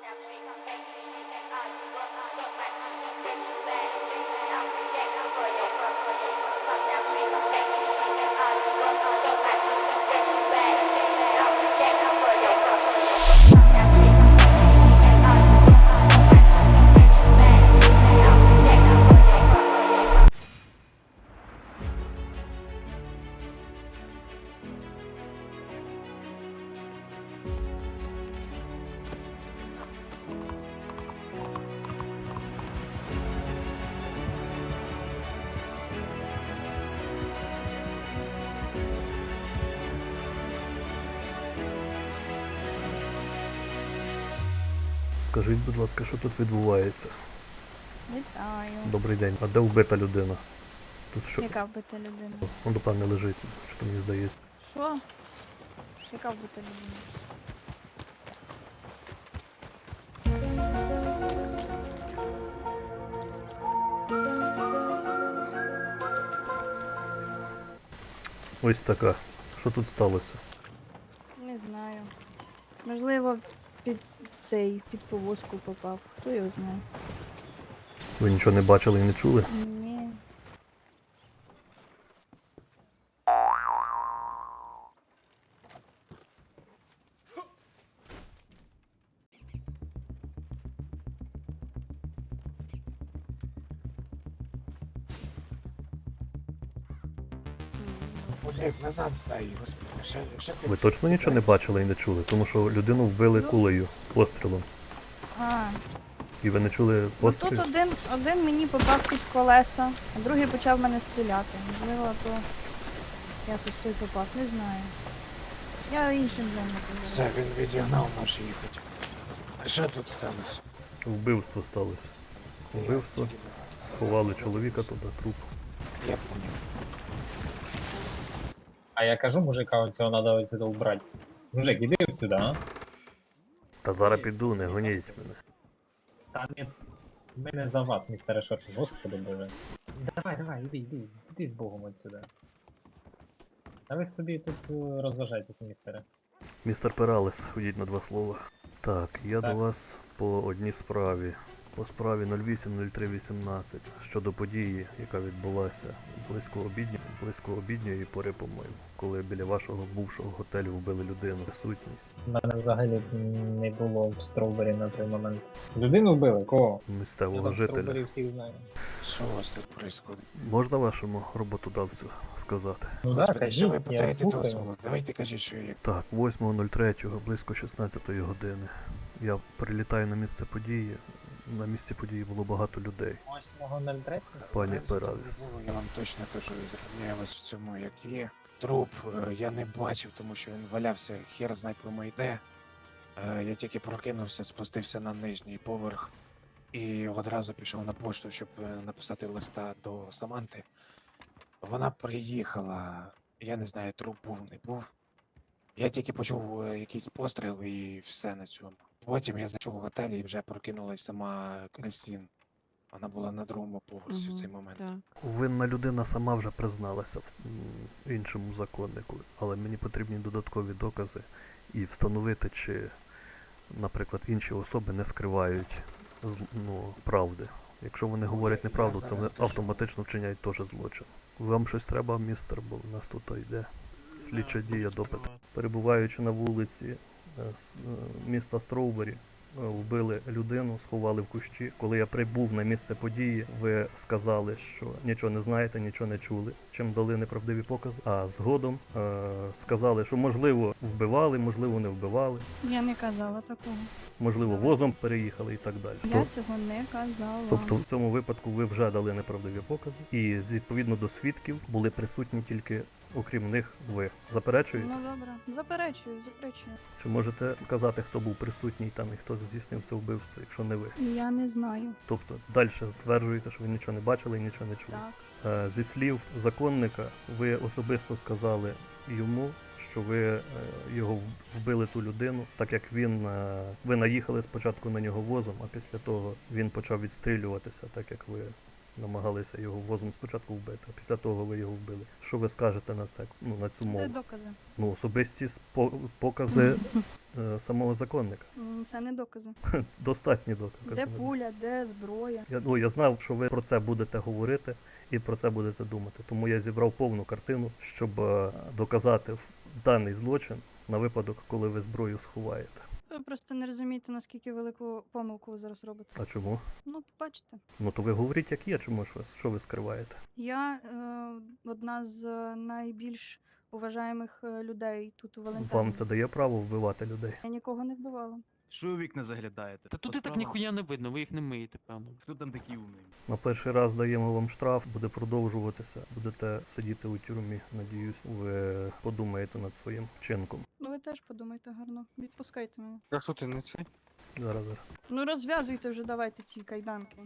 Скажіть, будь ласка, що тут відбувається? Вітаю. Добрий день. А де вбита людина? Тут що? Яка вбита людина? Он, напевне, лежить, що мені здається. Що? Яка вбита людина? Ось така. Що тут сталося? Не знаю. Можливо, під повозку попав. Хто його знає? Ви нічого не бачили і не чули? Ні. Олег, назад стай, господи, що ти? Ви точно нічого не бачили і не чули? Тому що людину вбили кулею, пострілом. А, І ви не чули ну постріл? тут один мені попав під колеса, а другий почав в мене стріляти. Можливо, то якось той попав, не знаю. Я іншим вже не казала. Все, він відігнав, може їхати. А що тут сталося? Вбивство сталося. Вбивство. Сховали чоловіка туди, труп. Я поняв. А я кажу мужика, цього надо отсюда убрать. Мужик, іди отсюда, а? Та зараз піду, не гоніть мене. Та не... Ми не за вас, містере Шорт, господи боже. Давай, іди з Богом отсюда. А ви собі тут розважайтеся, містере. Містер Пералес, ходіть на 2 слова. Так, я Так. до вас по одній справі. По справі 08.03.18 щодо події, яка відбулася близько обідньої пори, по-моєму, коли біля вашого бувшого готелю вбили людину. Присутні. У мене взагалі не було в Строубері на той момент. Людину вбили? Кого? Я Місцевого там в Строубері жителя. всіх знаю. Що у вас тут происходит? Можна вашому роботодавцю сказати? Ну да, Господи, що ви кажіть, я питаєте слухаю. дозволу? Давайте кажіть, що як. Так, 8.03, близько 16 години. Я прилітаю на місце події. На місці події було багато людей. 8.03? Пані Як це там Пералес. не було, я вам точно кажу і запевняю вас в цьому, як є. Труп я не бачив, тому що він валявся, хер знає кому йде. Я тільки прокинувся, спустився на нижній поверх і одразу пішов на пошту, щоб написати листа до Саманти. Вона приїхала, я не знаю, труп був, не був. Я тільки почув якийсь постріл і все на цьому. Потім я зайшов в готель і вже прокинулась сама Крістін. Вона була на другому поверсі в цей момент. Так. Винна людина сама вже призналася в іншому законнику, але мені потрібні додаткові докази і встановити, чи, наприклад, інші особи не скривають правди. Якщо вони говорять неправду, це вони зараз скажу. автоматично вчиняють теж злочин. Вам щось треба, містер, бо в нас тут йде слідча дія, допит. Перебуваючи на вулиці міста Строубері, вбили людину, сховали в кущі. Коли я прибув на місце події, ви сказали, що нічого не знаєте, нічого не чули, чим дали неправдиві покази. А згодом сказали, що можливо вбивали, можливо не вбивали, Я не казала такого. можливо возом переїхали і так далі. Я цього не казала. Тобто в цьому випадку ви вже дали неправдиві покази, і відповідно до свідків були присутні тільки, окрім них, ви. Заперечуєте? Ну добре. Заперечую. Чи можете сказати, хто був присутній там і хто здійснив це вбивство, якщо не ви? Я не знаю. Тобто далі стверджуєте, що ви нічого не бачили і нічого не чули. Так. Зі слів законника, ви особисто сказали йому, що ви його вбили ту людину, так як ви наїхали спочатку на нього возом, а після того він почав відстрілюватися, так як ви намагалися його возом спочатку вбити, а після того ви його вбили. Що ви скажете на це, ну, на цю Де мову? докази? Ну, особисті покази самого законника. Це не докази. Достатні докази. Де пуля, де зброя? Я знав, що ви про це будете говорити і про це будете думати. Тому я зібрав повну картину, щоб доказати даний злочин на випадок, коли ви зброю сховаєте. Ви просто не розумієте, наскільки велику помилку ви зараз робите. А чому? Ну, побачите. Ну то ви говоріть, як є, чому ж ви, що ви скриваєте? Я одна з найбільш уважаємих людей тут у Валентині. Вам це дає право вбивати людей? Я нікого не вбивала. Що ви у вікна заглядаєте? Та тут По і так справам? ніхуя не видно, ви їх не миєте, певно. Хто там такий умний? На перший раз даємо вам штраф, буде продовжуватися, будете сидіти у тюрмі. Надіюсь, ви подумаєте над своїм вчинком. Ну ви теж подумайте гарно. Відпускайте мене. А що ти не це? Зараз. Ну розв'язуйте вже, давайте ці кайданки.